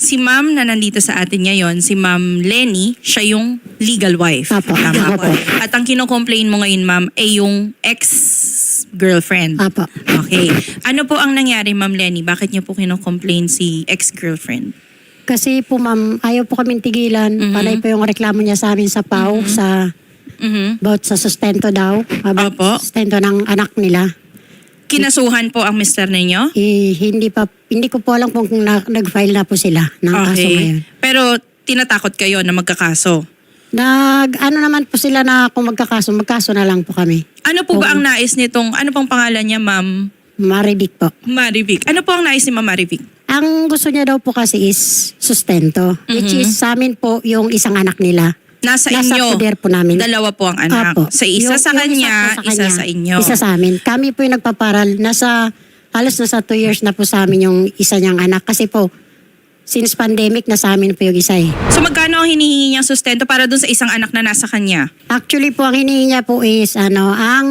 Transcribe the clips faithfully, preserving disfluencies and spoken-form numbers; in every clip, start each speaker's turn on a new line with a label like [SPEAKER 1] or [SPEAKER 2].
[SPEAKER 1] si ma'am na nandito sa atin ngayon, si ma'am Lenny, siya yung legal wife.
[SPEAKER 2] Apo.
[SPEAKER 1] Tama po.
[SPEAKER 2] Apo.
[SPEAKER 1] At ang kino-complain mo ngayon, ma'am, ay yung ex-girlfriend.
[SPEAKER 2] Apo.
[SPEAKER 1] Okay. Ano po ang nangyari, ma'am Lenny? Bakit niyo po kino-complain si ex-girlfriend?
[SPEAKER 2] Kasi po ma'am, ayaw po kaming tigilan.
[SPEAKER 1] Mhm.
[SPEAKER 2] Panay po yung reklamo niya sa amin sa P A O, sa
[SPEAKER 1] Mhm.
[SPEAKER 2] about sa sustento daw. About
[SPEAKER 1] Opo.
[SPEAKER 2] sustento ng anak nila.
[SPEAKER 1] Kinasuhan po ang mister ninyo?
[SPEAKER 2] Eh, hindi pa, hindi ko po alam kung na, nag-file na po sila ng kaso ngayon.
[SPEAKER 1] Pero tinatakot kayo na magkakaso?
[SPEAKER 2] Nag, ano naman po sila na kung magkakaso, magkaso na lang po kami.
[SPEAKER 1] Ano po ba
[SPEAKER 2] Oo.
[SPEAKER 1] ang nais nitong, ano pong pangalan niya, ma'am
[SPEAKER 2] Maridik po.
[SPEAKER 1] Marivic? Ano po ang nais ni ma'am Marivic?
[SPEAKER 2] Ang gusto niya daw po kasi is sustento. Which
[SPEAKER 1] Mhm.
[SPEAKER 2] is sa amin po yung isang anak nila.
[SPEAKER 1] Nasa,
[SPEAKER 2] Nasa
[SPEAKER 1] inyo,
[SPEAKER 2] poder po namin.
[SPEAKER 1] dalawa po ang anak.
[SPEAKER 2] Apo.
[SPEAKER 1] Sa isa
[SPEAKER 2] Yung-
[SPEAKER 1] sa
[SPEAKER 2] yung
[SPEAKER 1] kanya,
[SPEAKER 2] po
[SPEAKER 1] isa
[SPEAKER 2] kanya,
[SPEAKER 1] sa inyo.
[SPEAKER 2] Isa sa amin. Kami po yung nagpaparal. Nasa, halos nasa two years na po sa amin yung isa niyang anak. Kasi po, since pandemic, nasa amin po yung isa eh.
[SPEAKER 1] So magkano ang hinihingi niyang sustento para dun sa isang anak na nasa kanya?
[SPEAKER 2] Actually po, ang hinihingi niya po is, ano, ang,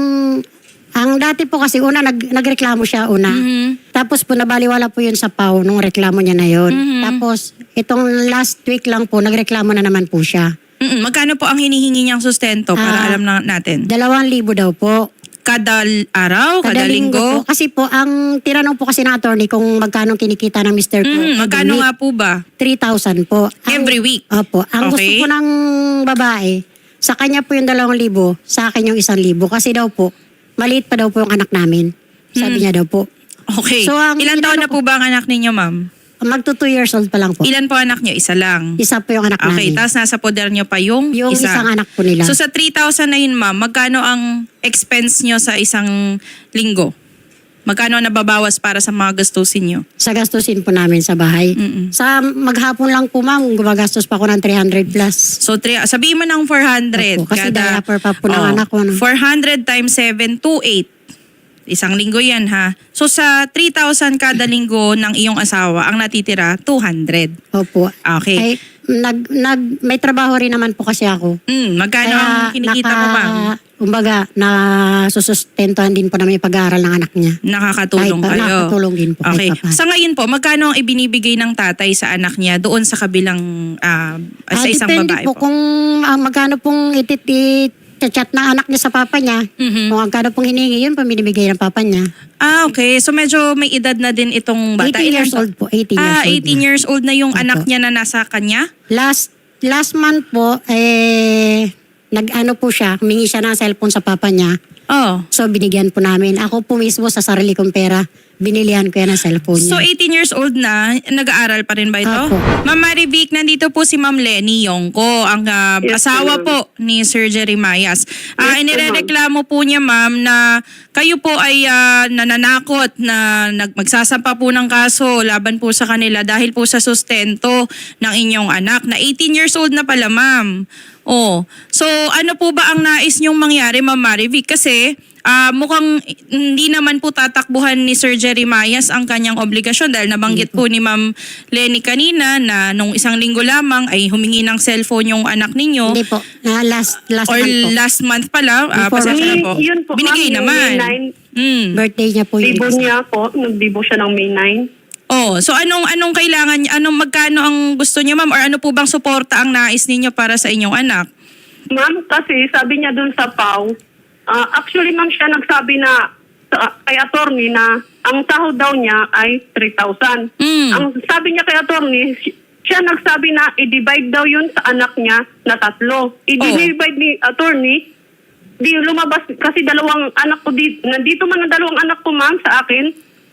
[SPEAKER 2] ang dati po kasi una, nag, nagreklamo siya una.
[SPEAKER 1] Mhm.
[SPEAKER 2] Tapos po, nabaliwala po yun sa P A O nung reklamo niya na yun.
[SPEAKER 1] Mhm.
[SPEAKER 2] Tapos, itong last week lang po, nagreklamo na naman po siya.
[SPEAKER 1] Mm-mm. Magkano po ang hinihingi niyang sustento para
[SPEAKER 2] Ah,
[SPEAKER 1] alam na natin?
[SPEAKER 2] Dalawang libo daw po.
[SPEAKER 1] Kada l- araw? Kada, linggo?
[SPEAKER 2] po. Kasi po, ang tinanong po kasi ng attorney kung magkano kinikita ng mister ko.
[SPEAKER 1] Mm, magkano nga po ba?
[SPEAKER 2] three thousand po. Ang-
[SPEAKER 1] Every week?
[SPEAKER 2] Opo. Ang gusto
[SPEAKER 1] Okay.
[SPEAKER 2] po ng babae, sa kanya po yung dalawang libo, sa akin yung isang libo. Kasi daw po, maliit pa daw po yung anak namin. Sabi
[SPEAKER 1] Hmm.
[SPEAKER 2] niya daw po.
[SPEAKER 1] Okay.
[SPEAKER 2] So, ang
[SPEAKER 1] Ilan taon na
[SPEAKER 2] inano
[SPEAKER 1] po ba ang anak ninyo, ma'am?
[SPEAKER 2] Magto two years old pa lang po.
[SPEAKER 1] Ilan po anak niyo? Isa lang.
[SPEAKER 2] Isa po yung anak
[SPEAKER 1] Okay,
[SPEAKER 2] namin.
[SPEAKER 1] tapos nasa poder niyo pa yung,
[SPEAKER 2] Yung
[SPEAKER 1] isa.
[SPEAKER 2] isang anak po nila.
[SPEAKER 1] So sa three thousand na yun, ma'am, magkano ang expense niyo sa isang linggo? Magkano ang nababawas para sa mga gastusin niyo?
[SPEAKER 2] Sa gastusin po namin sa bahay.
[SPEAKER 1] Mm-mm.
[SPEAKER 2] Sa maghapon lang po ma'am, gumagastos pa ako ng three hundred plus.
[SPEAKER 1] So, three, sabihin mo ng four hundred.
[SPEAKER 2] Opo, kasi diaper pa po ng anak ko, no?
[SPEAKER 1] four hundred times seven, two eight. Isang linggo yan, ha? So, sa three thousand kada linggo ng iyong asawa, ang natitira, two hundred.
[SPEAKER 2] Opo.
[SPEAKER 1] Okay.
[SPEAKER 2] Ay, nag, nag, may trabaho rin naman po kasi ako.
[SPEAKER 1] Mm, magkano ang kinikita mo, ma'am?
[SPEAKER 2] Kumbaga, na susustentuhan din po namin yung pag-aaral ng anak niya.
[SPEAKER 1] Nakakatulong
[SPEAKER 2] Kahit pa-
[SPEAKER 1] kayo.
[SPEAKER 2] nakakatulong din po, kahit
[SPEAKER 1] Okay.
[SPEAKER 2] pa paano.
[SPEAKER 1] Sa ngayon po, magkano ang ibinibigay ng tatay sa anak niya doon sa kabilang, ah, sa
[SPEAKER 2] Ah,
[SPEAKER 1] isang
[SPEAKER 2] depende
[SPEAKER 1] babae
[SPEAKER 2] po
[SPEAKER 1] po?
[SPEAKER 2] kung ah, magkano pong ititit chat na anak niya sa papa niya.
[SPEAKER 1] Mhm.
[SPEAKER 2] Kung magkano pong hiningi, yun pa binibigay ng papa niya.
[SPEAKER 1] Ah, okay. So medyo may edad na din itong bata.
[SPEAKER 2] eighteen
[SPEAKER 1] Ilan
[SPEAKER 2] years
[SPEAKER 1] po?
[SPEAKER 2] old po. eighteen years
[SPEAKER 1] Ah,
[SPEAKER 2] old
[SPEAKER 1] eighteen
[SPEAKER 2] na.
[SPEAKER 1] years old na yung
[SPEAKER 2] Opo.
[SPEAKER 1] anak niya na nasa kanya?
[SPEAKER 2] Last last month po, eh, nag-ano po siya, humingi siya ng cellphone sa papa niya.
[SPEAKER 1] Oh.
[SPEAKER 2] So, binigyan po namin. Ako po mismo sa sarili kong pera, binilihan ko yan ng cellphone
[SPEAKER 1] So
[SPEAKER 2] niya.
[SPEAKER 1] eighteen years old na, nag-aaral pa rin ba ito?
[SPEAKER 2] Opo.
[SPEAKER 1] Ma'am Marivic, nandito po si Ma'am Lenny Yongko, ang ah,
[SPEAKER 3] Yes,
[SPEAKER 1] asawa
[SPEAKER 3] ma'am.
[SPEAKER 1] po ni Sir Jerry Mayas. Ah,
[SPEAKER 3] Yes,
[SPEAKER 1] inireklamo po niya, ma'am, na kayo po ay ah, nananakot na nag magsasampa po ng kaso laban po sa kanila dahil po sa sustento ng inyong anak na eighteen years old na pala, ma'am. Oh. So ano po ba ang nais niyong mangyari, Ma'am Marivic? Kasi Ah, mukhang hindi naman po tatakbuhan ni Sir Jerry Mayas ang kanyang obligasyon dahil nabanggit po ni Ma'am Lenny kanina na nung isang linggo lamang ay humingi ng cellphone yung anak ninyo.
[SPEAKER 2] Hindi po. Na last last
[SPEAKER 1] Or
[SPEAKER 2] month po.
[SPEAKER 1] last month pala, ah,
[SPEAKER 2] Before-
[SPEAKER 1] pasensya na
[SPEAKER 3] May-
[SPEAKER 1] po.
[SPEAKER 3] yun po,
[SPEAKER 1] Binigay
[SPEAKER 3] ma'am, yung
[SPEAKER 1] naman.
[SPEAKER 3] May nine.
[SPEAKER 1] Mm.
[SPEAKER 2] Birthday niya po yun.
[SPEAKER 3] Bibo niya po, nagbibo siya ng May nine.
[SPEAKER 1] Oh, so anong anong kailangan niya? Anong magkano ang gusto niyo, ma'am? Or ano po bang suporta ang nais ninyo para sa inyong anak?
[SPEAKER 3] Ma'am, kasi sabi niya dun sa P A O, ah, actually ma'am siya nagsabi na sa, kay attorney na ang sahod daw niya ay three thousand.
[SPEAKER 1] Mm.
[SPEAKER 3] Ang sabi niya kay attorney, si- siya nagsabi na i-divide daw yun sa anak niya na tatlo. I-divide ni attorney, di lumabas kasi dalawang anak ko dito. Nandito man ang dalawang anak ko ma'am sa akin.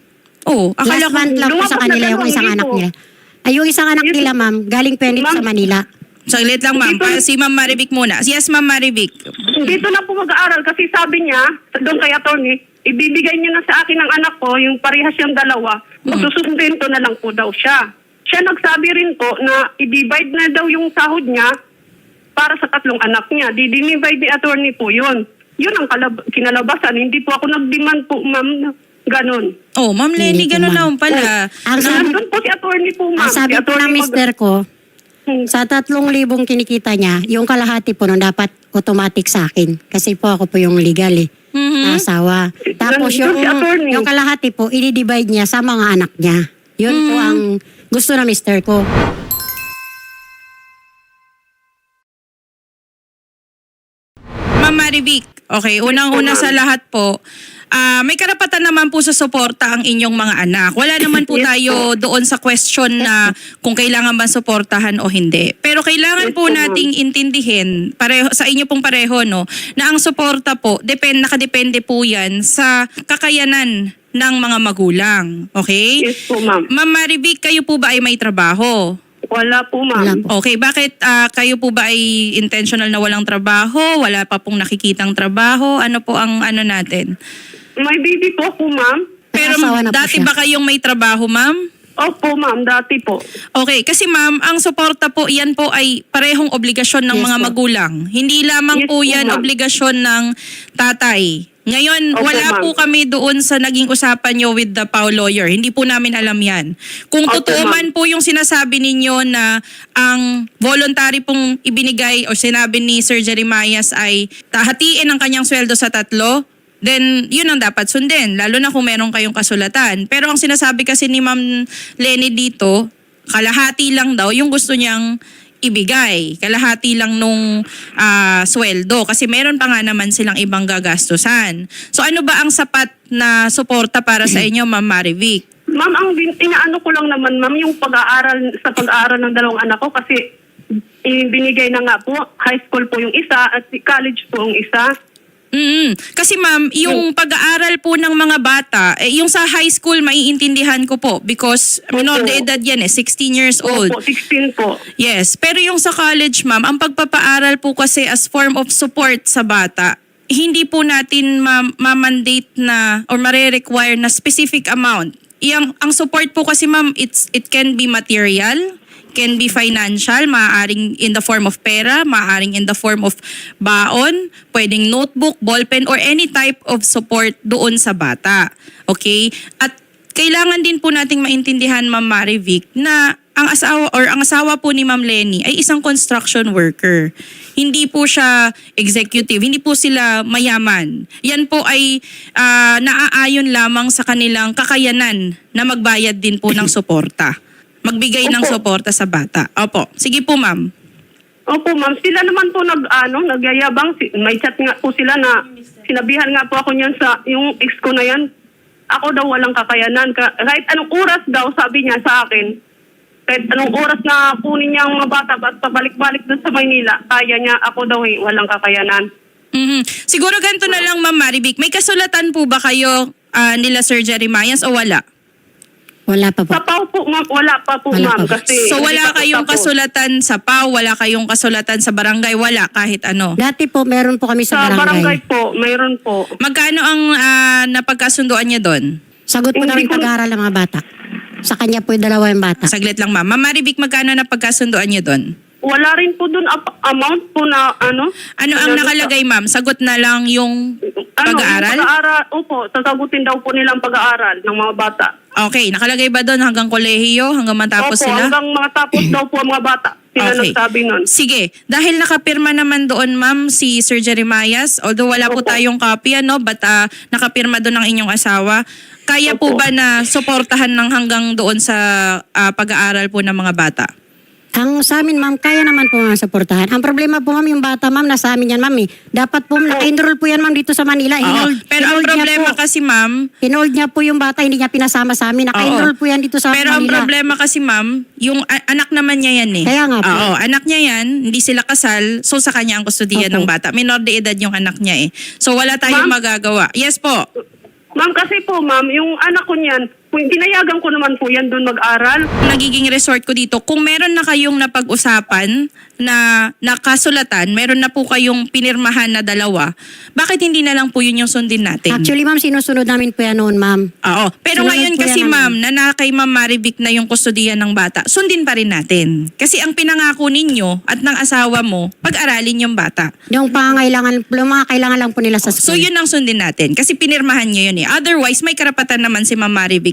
[SPEAKER 1] Oh, akala
[SPEAKER 2] Last
[SPEAKER 1] ko
[SPEAKER 2] month lang po
[SPEAKER 3] lumabas
[SPEAKER 2] sa
[SPEAKER 3] na
[SPEAKER 2] kanila yung
[SPEAKER 3] dalawang
[SPEAKER 2] isang
[SPEAKER 3] libo.
[SPEAKER 2] anak nila. Ay, yung isang anak
[SPEAKER 3] Yes.
[SPEAKER 2] nila, ma'am, galing Penit
[SPEAKER 3] Ma'am.
[SPEAKER 2] sa Manila.
[SPEAKER 1] saglit lang, ma'am.
[SPEAKER 3] Dito-
[SPEAKER 1] Pa- si Ma'am Marivic muna. Yes, Ma'am Marivic.
[SPEAKER 3] Dito na po mag-aaral kasi sabi niya, doon kay attorney, ibibigay niya na sa akin ng anak ko, yung parehas siyang dalawa, magsusustento na lang po daw siya. Siya nagsabi rin po na i-divide na daw yung sahod niya para sa tatlong anak niya. Di-divide ni attorney po yun. Yun ang kalab- kinalabasan. Hindi po ako nag-demand po, ma'am, na ganun.
[SPEAKER 1] Oh, Ma'am Lenny,
[SPEAKER 2] Hindi po,
[SPEAKER 1] ganun
[SPEAKER 2] ma'am.
[SPEAKER 1] naman pala.
[SPEAKER 2] Ang sabi,
[SPEAKER 3] Nandun po si attorney po, ma'am.
[SPEAKER 2] ang sabi
[SPEAKER 3] Si
[SPEAKER 2] po ng
[SPEAKER 3] attorney mag-
[SPEAKER 2] mister ko,
[SPEAKER 3] Hmm.
[SPEAKER 2] sa tatlong libong kinikita niya, yung kalahati po nun dapat automatic sa akin. Kasi po ako po yung legal eh.
[SPEAKER 1] Mhm.
[SPEAKER 2] Na asawa. Tapos
[SPEAKER 3] Nandun
[SPEAKER 2] yung,
[SPEAKER 3] si attorney.
[SPEAKER 2] yung kalahati po, i-divide niya sa mga anak niya. Yun po
[SPEAKER 1] Mhm.
[SPEAKER 2] ang gusto na mister ko.
[SPEAKER 1] Ma'am Marivic, okay, unang-una
[SPEAKER 3] Yes po,
[SPEAKER 1] sa
[SPEAKER 3] ma'am.
[SPEAKER 1] lahat po, ah, may karapatan naman po sa suporta ang inyong mga anak. Wala naman po
[SPEAKER 3] Yes
[SPEAKER 1] tayo doon sa question na kung kailangan ba suportahan o hindi. Pero kailangan
[SPEAKER 3] Yes
[SPEAKER 1] po
[SPEAKER 3] po, ma'am.
[SPEAKER 1] nating intindihin, pareho, sa inyo pong pareho, no, na ang suporta po, depend, nakadepende po yan sa kakayanan ng mga magulang. Okay?
[SPEAKER 3] Yes po, ma'am.
[SPEAKER 1] Ma'am Marivic, kayo po ba ay may trabaho?
[SPEAKER 3] Wala po,
[SPEAKER 2] Wala
[SPEAKER 3] ma'am.
[SPEAKER 2] po.
[SPEAKER 1] Okay, bakit ah, kayo po ba ay intentional na walang trabaho? Wala pa pong nakikitang trabaho? Ano po ang ano natin?
[SPEAKER 3] May baby po ako, ma'am.
[SPEAKER 2] May
[SPEAKER 1] Pero
[SPEAKER 2] asawa na po
[SPEAKER 1] dati
[SPEAKER 2] siya.
[SPEAKER 1] ba kayong may trabaho, ma'am?
[SPEAKER 3] Opo, ma'am. Dati po.
[SPEAKER 1] Okay, kasi ma'am, ang suporta po, yan po ay parehong obligasyon ng
[SPEAKER 2] Yes
[SPEAKER 1] mga
[SPEAKER 2] po.
[SPEAKER 1] magulang. Hindi lamang
[SPEAKER 3] Yes
[SPEAKER 1] po
[SPEAKER 3] po,
[SPEAKER 1] yan
[SPEAKER 3] ma'am.
[SPEAKER 1] obligasyon ng tatay. Ngayon,
[SPEAKER 3] Opo,
[SPEAKER 1] wala
[SPEAKER 3] ma'am.
[SPEAKER 1] po kami doon sa naging usapan nyo with the P A O lawyer. Hindi po namin alam yan. Kung
[SPEAKER 3] Opo,
[SPEAKER 1] totoo
[SPEAKER 3] ma'am.
[SPEAKER 1] man po yung sinasabi ninyo na ang voluntary pong ibinigay o sinabi ni Sir Jeremias ay tahatiin ang kanyang sweldo sa tatlo, then yun ang dapat sundin, lalo na kung meron kayong kasulatan. Pero ang sinasabi kasi ni Ma'am Lenny dito, kalahati lang daw yung gusto niyang ibigay. Kalahati lang nung ah, sweldo kasi meron pa nga naman silang ibang gagastusan. So ano ba ang sapat na suporta para sa inyo, Ma'am Marivic?
[SPEAKER 3] Ma'am, ang bin- inaano ko lang naman, ma'am, yung pag-aaral sa pag-aaral ng dalawang anak ko kasi eh, binigay na nga po, high school po yung isa at college po yung isa.
[SPEAKER 1] Mm. Kasi ma'am, yung pag-aaral po ng mga bata, eh, yung sa high school maiintindihan ko po because minor de edad yan eh, sixteen years old.
[SPEAKER 3] Opo, sixteen po.
[SPEAKER 1] Yes, pero yung sa college ma'am, ang pagpapaaral po kasi as form of support sa bata, hindi po natin ma- ma-mandate na or mare-require na specific amount. Yang, ang support po kasi ma'am, it's, it can be material, can be financial, maaaring in the form of pera, maaaring in the form of baon, pwedeng notebook, ballpen, or any type of support doon sa bata. Okay? At kailangan din po nating maintindihan, Ma'am Marivic, na ang asawa or ang asawa po ni Ma'am Lenny ay isang construction worker. Hindi po siya executive, hindi po sila mayaman. Yan po ay ah, naaayon lamang sa kanilang kakayanan na magbayad din po ng suporta. Magbigay ng
[SPEAKER 3] Opo.
[SPEAKER 1] suporta sa bata. Opo. Sige po, ma'am.
[SPEAKER 3] Opo, ma'am. Sila naman po nag, ano, nagyayabang. Si- May chat nga po sila na sinabihan nga po ako niyan sa, yung ex ko na yan. Ako daw walang kakayanan. Ka, kahit anong oras daw, sabi niya sa akin, kahit anong oras na kunin niya ang mga bata at pabalik-balik doon sa Maynila, kaya niya, ako daw eh, walang kakayanan.
[SPEAKER 1] Mhm. Siguro ganito na lang, Ma'am Marivic. May kasulatan po ba kayo ah, nila Sir Jeremias o wala?
[SPEAKER 2] Wala pa po.
[SPEAKER 3] Sa P A O po, ma'am, wala pa po,
[SPEAKER 2] Wala
[SPEAKER 3] ma'am.
[SPEAKER 2] pa.
[SPEAKER 3] Kasi,
[SPEAKER 1] So
[SPEAKER 3] hindi
[SPEAKER 1] wala
[SPEAKER 3] pa po
[SPEAKER 1] kayong
[SPEAKER 3] tapos.
[SPEAKER 1] kasulatan sa P A O, wala kayong kasulatan sa barangay, wala kahit ano.
[SPEAKER 2] Dati po, meron po kami
[SPEAKER 3] Sa
[SPEAKER 2] sa,
[SPEAKER 3] barangay po, mayroon po.
[SPEAKER 1] Magkano ang ah, napagkasunduan niya doon?
[SPEAKER 2] Sagot po
[SPEAKER 3] Hindi
[SPEAKER 2] namin
[SPEAKER 3] ko-
[SPEAKER 2] pag-aaral ng mga bata. Sa kanya po yung dalawa yung bata.
[SPEAKER 1] Saglit lang, ma'am. Ma'am Marivic, magkano napagkasunduan niyo doon?
[SPEAKER 3] Wala rin po doon ap- amount po na ano.
[SPEAKER 1] Ano ang nakalagay, ma'am? Sagot na lang yung
[SPEAKER 3] Ano,
[SPEAKER 1] pag-aaral?
[SPEAKER 3] Yung pag-aaral, opo, sasagutin daw po nilang pag-aaral ng mga bata.
[SPEAKER 1] Okay, nakalagay ba doon hanggang kolehiyo, hanggang matapos
[SPEAKER 3] opo,
[SPEAKER 1] sila?
[SPEAKER 3] hanggang mga tapos daw po ang mga bata. Sila
[SPEAKER 1] Okay.
[SPEAKER 3] nagsabi nun.
[SPEAKER 1] Sige, dahil nakapirma naman doon, ma'am, si Sir Jeremias, although wala po
[SPEAKER 3] Opo.
[SPEAKER 1] tayong copy, ano, but ah, nakapirma doon ang inyong asawa, kaya po
[SPEAKER 3] Opo.
[SPEAKER 1] ba na suportahan ng hanggang doon sa ah, pag-aaral po ng mga bata?
[SPEAKER 2] Ang sa amin, ma'am, kaya naman po mga suportahan. Ang problema po, ma'am, yung bata, ma'am, nasa amin yan, ma'am. Eh. Dapat po, naka-enroll po yan, ma'am, dito sa Manila.
[SPEAKER 1] Oo.
[SPEAKER 2] Hinold,
[SPEAKER 1] Pero ang
[SPEAKER 2] hinold niya
[SPEAKER 1] problema
[SPEAKER 2] po.
[SPEAKER 1] kasi, ma'am,
[SPEAKER 2] Hinold niya po yung bata, hindi niya pinasama sa amin. Naka-enroll
[SPEAKER 1] Oo.
[SPEAKER 2] po yan dito sa
[SPEAKER 1] pero ang
[SPEAKER 2] Manila.
[SPEAKER 1] problema kasi, ma'am, yung a- anak naman niya yan eh.
[SPEAKER 2] Kaya nga po.
[SPEAKER 1] Oo, anak niya yan, hindi sila kasal, so sa kanya ang kustudiya
[SPEAKER 2] Opo.
[SPEAKER 1] ng bata. Minor de edad yung anak niya eh. So wala tayong
[SPEAKER 3] Ma'am?
[SPEAKER 1] magagawa. Yes po.
[SPEAKER 3] Ma'am, kasi po, ma'am, yung anak ko niyan, kung pinayagan ko naman po yan doon mag-aral.
[SPEAKER 1] Nagiging resort ko dito, kung meron na kayong napag-usapan na nakasulatan, meron na po kayong pinirmahan na dalawa, bakit hindi na lang po yun yung sundin natin?
[SPEAKER 2] Actually, ma'am, sinusunod namin po yan noon, ma'am.
[SPEAKER 1] Oo. Pero
[SPEAKER 2] Sunod
[SPEAKER 1] ngayon
[SPEAKER 2] po
[SPEAKER 1] kasi
[SPEAKER 2] yan,
[SPEAKER 1] ma'am, na na kay Ma'am Marivic na yung kustudiya ng bata, sundin pa rin natin. Kasi ang pinangako ninyo at ng asawa mo, pag-aralin yung bata.
[SPEAKER 2] Yung pangangailangan, yung mga kailangan lang po nila sa
[SPEAKER 1] So
[SPEAKER 2] school.
[SPEAKER 1] yun ang sundin natin. Kasi pinirmahan nyo yun eh. Otherwise, may karapatan naman si Ma'am Marivic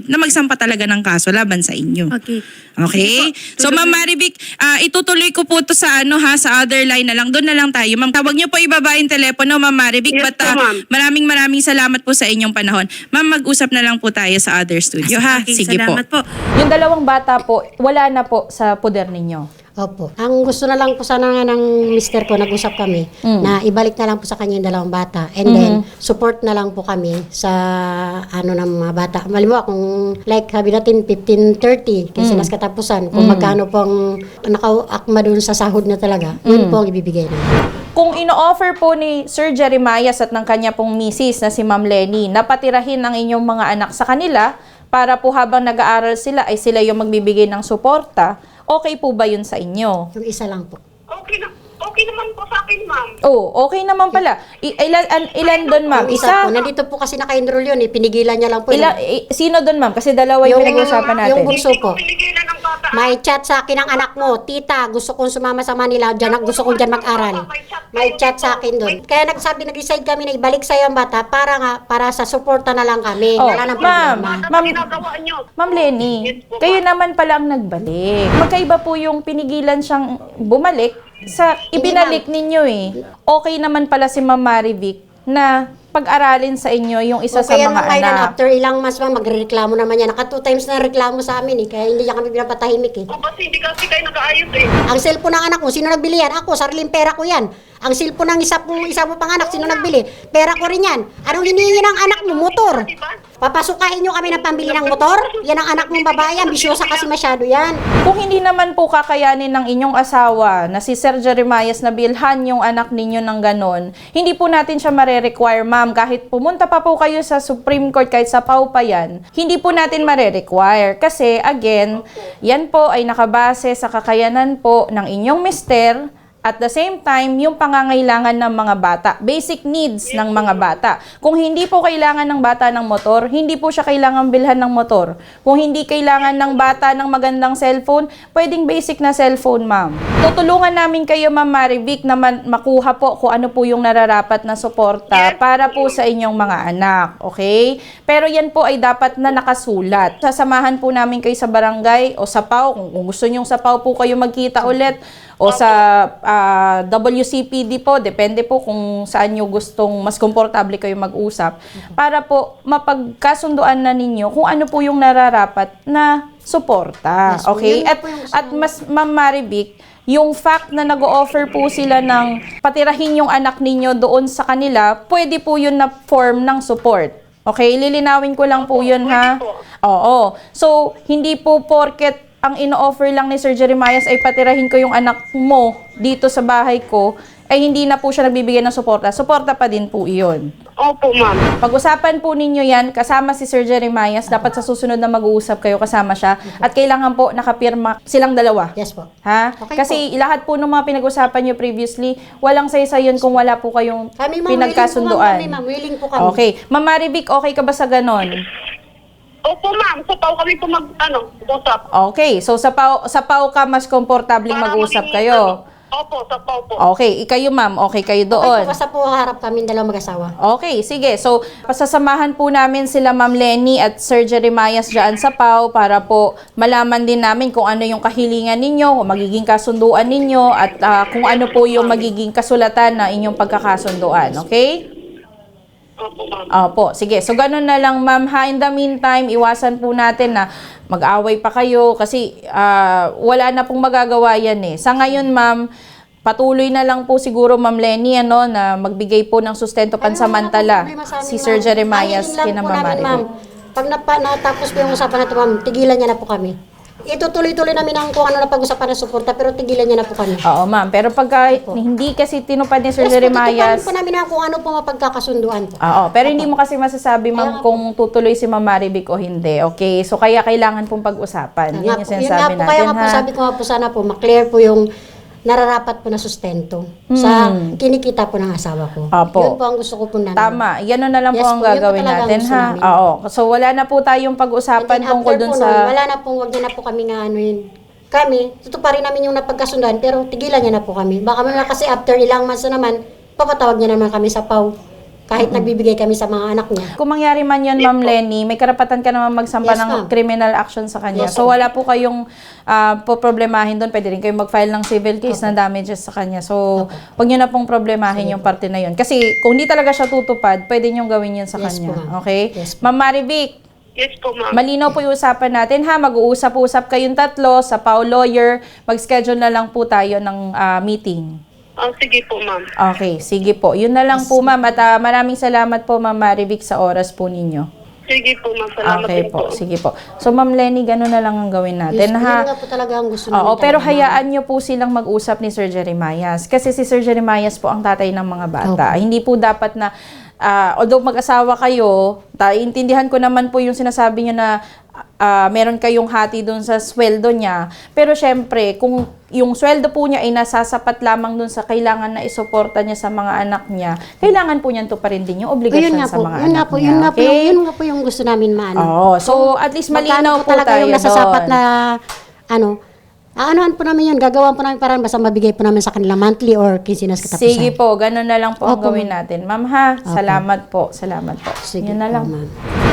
[SPEAKER 1] Marivic na magsampa talaga ng kaso laban sa inyo.
[SPEAKER 4] Okay.
[SPEAKER 1] Okay? So Ma'am Marivic, ah, itutuloy ko po to sa ano ha, sa other line na lang. Doon na lang tayo. Ma'am, tawag niyo po ibaba yung telepono, Ma'am Marivic.
[SPEAKER 3] Yes
[SPEAKER 1] But
[SPEAKER 3] po,
[SPEAKER 1] ah,
[SPEAKER 3] ma'am.
[SPEAKER 1] maraming maraming salamat po sa inyong panahon. Ma'am, mag-usap na lang po tayo sa other studio ha.
[SPEAKER 4] Okay,
[SPEAKER 1] Sige po.
[SPEAKER 4] salamat po.
[SPEAKER 5] Yung dalawang bata po, wala na po sa poder ninyo.
[SPEAKER 2] Opo. Ang gusto na lang po sana nga ng mister ko, nag-usap kami, na ibalik na lang po sa kanya yung dalawang bata. And then, support na lang po kami sa ano ng mga bata. Malimbawa, kung like sabi natin, fifteen thirty, kasi nas katapusan, kung magkano pong nakaakma dun sa sahod na talaga, yun po ang ibibigay na.
[SPEAKER 5] Kung ino-offer po ni Sir Jeremias at ng kanya pong misis na si Ma'am Lenny na patirahin ang inyong mga anak sa kanila para po habang nag-aaral sila ay sila yung magbibigay ng suporta, okay po ba yun sa inyo?
[SPEAKER 2] Yung isa lang po.
[SPEAKER 3] Okay na, okay naman po sa akin, ma'am.
[SPEAKER 5] Oh, okay naman pala. I- ilan, an- ilan doon, ma'am?
[SPEAKER 2] Yung isa,
[SPEAKER 5] Isa?
[SPEAKER 2] po, nandito po kasi naka-enroll yun eh, pinigilan niya lang po.
[SPEAKER 5] Ila, i- sino doon, ma'am? Kasi dalawa yung,
[SPEAKER 2] Yung-
[SPEAKER 5] pinag-uusapan natin.
[SPEAKER 2] yung bunso
[SPEAKER 3] Hindi ko
[SPEAKER 2] po.
[SPEAKER 3] pinigilan ang bata.
[SPEAKER 2] May chat sa akin ang anak mo, tita, gusto kong sumama sa Manila, dyan, gusto kong dyan mag-aral. May chat sa akin doon. Kaya nagsabi, nag-decide kami na ibalik sa'yo ang bata para nga, para sa suporta na lang kami.
[SPEAKER 5] Oh,
[SPEAKER 2] Wala nang
[SPEAKER 5] ma'am.
[SPEAKER 2] problema.
[SPEAKER 5] Ma'am,
[SPEAKER 3] ginagawa niyo.
[SPEAKER 5] Ma'am Lenny, kayo naman pala ang nagbalik. Magkaiba po yung pinigilan siyang bumalik sa ibinalik ninyo eh. Okay naman pala si Ma'am Marivic na pag-aralin sa inyo yung isa
[SPEAKER 2] O
[SPEAKER 5] sa
[SPEAKER 2] kaya
[SPEAKER 5] mga
[SPEAKER 2] naman ngayon,
[SPEAKER 5] anak.
[SPEAKER 2] after ilang months ma'am, magre-reklamo naman yan. Naka two times na reklamo sa amin eh, kaya hindi niya kami pinapatahimik eh.
[SPEAKER 3] O kasi hindi kasi kayo nag-aayos eh.
[SPEAKER 2] Ang cellphone ng anak mo, sino nagbili yan? Ako, sariling pera ko yan. Ang cellphone ng isa po, isa mo pang anak, sino nagbili? Pera ko rin yan. Anong hinihingi ng anak mo? Motor. Papasukain nyo kami ng pambili ng motor? Yan ang anak mong babae, ambisyosa kasi masyado yan.
[SPEAKER 5] Kung hindi naman po kakayanin ng inyong asawa na si Sir Jeremias na bilhan yung anak ninyo ng ganon, hindi po natin siya mare-require, ma'am. Kahit pumunta pa po kayo sa Supreme Court, kahit sa P A W pa yan, hindi po natin mare-require. Kasi, again, yan po ay nakabase sa kakayanan po ng inyong mister. At the same time, yung pangangailangan ng mga bata, basic needs ng mga bata. Kung hindi po kailangan ng bata ng motor, hindi po siya kailangan bilhan ng motor. Kung hindi kailangan ng bata ng magandang cellphone, pwedeng basic na cellphone, ma'am. Tutulungan namin kayo, Ma'am Marivic, na man- makuha po kung ano po yung nararapat na suporta para po sa inyong mga anak, okay? Pero yan po ay dapat na nakasulat. Sasamahan po namin kayo sa barangay o sa P A W. Kung, kung gusto nyong sa P A W po kayo magkita ulit, o sa ah, W C P D po, depende po kung saan nyo gustong mas komportable kayo mag-usap, para po mapagkasunduan na ninyo kung ano po yung nararapat na suporta.
[SPEAKER 2] Yes po,
[SPEAKER 5] Okay?
[SPEAKER 2] yun
[SPEAKER 5] At,
[SPEAKER 2] po yung gusto
[SPEAKER 5] at mas, Ma'am Marivic, yung fact na nag-o-offer po sila ng patirahin yung anak ninyo doon sa kanila, pwede po yun na form ng support. Okay? Lilinawin ko lang po yun, ha? Oo. So, hindi po porket ang ino-offer lang ni Sir Jeremias ay patirahin ko yung anak mo dito sa bahay ko, ay hindi na po siya nagbibigay ng suporta. Suporta pa din po iyon.
[SPEAKER 3] Opo, ma'am.
[SPEAKER 5] Pag-usapan po ninyo yan, kasama si Sir Jeremias, dapat sa susunod na mag-uusap kayo, kasama siya, at kailangan po nakapirma silang dalawa.
[SPEAKER 2] Yes po.
[SPEAKER 5] Ha?
[SPEAKER 2] Okay
[SPEAKER 5] Kasi lahat po ng mga pinag-usapan nyo previously, walang saysayon kung wala po kayong
[SPEAKER 2] Kami ma'am,
[SPEAKER 5] pinagkasunduan.
[SPEAKER 2] willing po ma'am, willing po kami.
[SPEAKER 5] Okay. Ma'am Marivic, okay ka ba sa ganon?
[SPEAKER 3] Opo, ma'am. Sa tao kami po mag, ano, usap.
[SPEAKER 5] Okay. So sa P A W, sa P A W ka mas komportabling
[SPEAKER 3] Para
[SPEAKER 5] mag-usap
[SPEAKER 3] maging,
[SPEAKER 5] kayo.
[SPEAKER 3] ano, Opo, sa pao po.
[SPEAKER 5] Okay, ikayo ma'am, okay kayo
[SPEAKER 2] Okay
[SPEAKER 5] doon.
[SPEAKER 2] po, basta po harap kami dalawang mag-asawa.
[SPEAKER 5] Okay, sige. So, pasasamahan po namin sila Ma'am Lenny at Sir Jeremias dyan sa P A W para po malaman din namin kung ano yung kahilingan ninyo, kung magiging kasunduan ninyo, at ah, kung ano po yung magiging kasulatan na inyong pagkakasunduan. Okay?
[SPEAKER 3] Opo, ma'am.
[SPEAKER 5] Opo, sige. So, ganun na lang, ma'am. Ha, in the meantime, iwasan po natin na mag-away pa kayo kasi ah, wala na pong magagawa yan eh. Sa ngayon, ma'am, patuloy na lang po siguro, Ma'am Lenny, ano, na magbigay po ng sustento pansamantala si Sir Jeremias kina Ma'am Marivic.
[SPEAKER 2] Pag napa, natapos po yung usapan na ito, ma'am, tigilan niya na po kami. Itutuloy-tuloy namin ang kung ano na pag-usapan ng suporta, pero tigilan niya na po kami.
[SPEAKER 5] Oo, ma'am. Pero pagka hindi kasi tinupad ni Sir
[SPEAKER 2] Yes,
[SPEAKER 5] Jeremias,
[SPEAKER 2] po namin na kung ano po mapagkakasunduan po.
[SPEAKER 5] oo, pero hindi mo kasi masasabi, ma'am, kung tutuloy si Ma'am Marivic o hindi. Okay? So, kaya kailangan pong pag-usapan. Yun yung
[SPEAKER 2] Nga po, yun nga
[SPEAKER 5] sinasabi
[SPEAKER 2] po, kaya
[SPEAKER 5] natin,
[SPEAKER 2] nga po,
[SPEAKER 5] ha?
[SPEAKER 2] sabi ko nga po, sana po, maklear po yung nararapat po na sustento sa kinikita po ng asawa ko.
[SPEAKER 5] Hmm. Opo.
[SPEAKER 2] Yun po ang gusto ko po namin.
[SPEAKER 5] Tama. Yan na lang
[SPEAKER 2] Yes
[SPEAKER 5] po ang
[SPEAKER 2] po, yun po
[SPEAKER 5] gagawin
[SPEAKER 2] talaga ang
[SPEAKER 5] natin,
[SPEAKER 2] gusto
[SPEAKER 5] ha?
[SPEAKER 2] namin.
[SPEAKER 5] Oo. So, wala na po tayong
[SPEAKER 2] And
[SPEAKER 5] pag-usapan
[SPEAKER 2] then
[SPEAKER 5] tungkol
[SPEAKER 2] after
[SPEAKER 5] dun
[SPEAKER 2] po
[SPEAKER 5] sa...
[SPEAKER 2] nun, wala na po, wag niya na po kami nga ano yun. Kami, tutuparin namin yung napagkasunduan, pero tigilan niya na po kami. Baka mga kasi after ilang months na naman, papatawag niya naman kami sa P A W Kahit nagbibigay kami sa mga anak niya.
[SPEAKER 5] Kung mangyari man yun, Ma'am Lenny, may karapatan ka naman magsampa
[SPEAKER 2] Yes,
[SPEAKER 5] ng
[SPEAKER 2] ma'am.
[SPEAKER 5] criminal action sa kanya.
[SPEAKER 2] Yes,
[SPEAKER 5] So,
[SPEAKER 2] ma'am.
[SPEAKER 5] wala po kayong uh, poproblemahin doon. Pwede rin kayong mag-file ng civil case na damages sa kanya. So, wag nyo na pong problemahin yung parte na yun. Kasi, kung hindi talaga siya tutupad, pwede nyo gawin yun sa
[SPEAKER 2] Yes
[SPEAKER 5] kanya.
[SPEAKER 2] po, ma'am.
[SPEAKER 5] Okay?
[SPEAKER 2] Yes po.
[SPEAKER 5] Ma'am Marivic,
[SPEAKER 3] Yes po, ma'am.
[SPEAKER 5] malinaw po yung usapan natin ha. Mag-uusap-usap kayong tatlo sa Pau Lawyer. Mag-schedule na lang po tayo ng ah, meeting.
[SPEAKER 3] Oh, sige po, ma'am.
[SPEAKER 5] Okay, sige po. Yun na lang po, ma'am. At ah, maraming salamat po, Ma'am Marivic, sa oras po ninyo.
[SPEAKER 3] Sige po, ma'am. Salamat
[SPEAKER 5] Okay
[SPEAKER 3] din
[SPEAKER 5] po, sige po. So, Ma'am Lenny, gano'n na lang ang gawin natin,
[SPEAKER 2] Yes,
[SPEAKER 5] ha?
[SPEAKER 2] yun nga po talaga ang gusto namin.
[SPEAKER 5] Oo, pero
[SPEAKER 2] talaga, ma'am.
[SPEAKER 5] hayaan nyo po silang mag-usap ni Sir Jeremias. Kasi si Sir Jeremias po ang tatay ng mga bata. Hindi po dapat na, ah, although mag-asawa kayo, ta- intindihan ko naman po yung sinasabi nyo na ah, meron kayong hati doon sa sweldo niya. Pero syempre, kung yung sweldo po niya ay nasasapat lamang doon sa kailangan na isuporta niya sa mga anak niya, kailangan po niyan to pa rin din yung
[SPEAKER 2] Ayun
[SPEAKER 5] obligasyon
[SPEAKER 2] nga
[SPEAKER 5] sa
[SPEAKER 2] po,
[SPEAKER 5] mga
[SPEAKER 2] yun
[SPEAKER 5] anak
[SPEAKER 2] nga po,
[SPEAKER 5] niya.
[SPEAKER 2] yun nga po,
[SPEAKER 5] Okay?
[SPEAKER 2] yung, yun nga po yung gusto namin maano.
[SPEAKER 5] Oo, so at least malinaw
[SPEAKER 2] Magkano
[SPEAKER 5] po
[SPEAKER 2] talaga
[SPEAKER 5] tayo
[SPEAKER 2] yung nasasapat
[SPEAKER 5] doon.
[SPEAKER 2] na, ano, aanoan po namin yun, gagawan po namin parang basta mabigay po namin sa kanila monthly or quincenas katapusan.
[SPEAKER 5] Sige po, ganun na lang po ang
[SPEAKER 2] Opo,
[SPEAKER 5] gawin natin. Ma'am ha, salamat po, salamat po.
[SPEAKER 2] Sige
[SPEAKER 5] Yun na
[SPEAKER 2] po,
[SPEAKER 5] lang.
[SPEAKER 2] ma'am.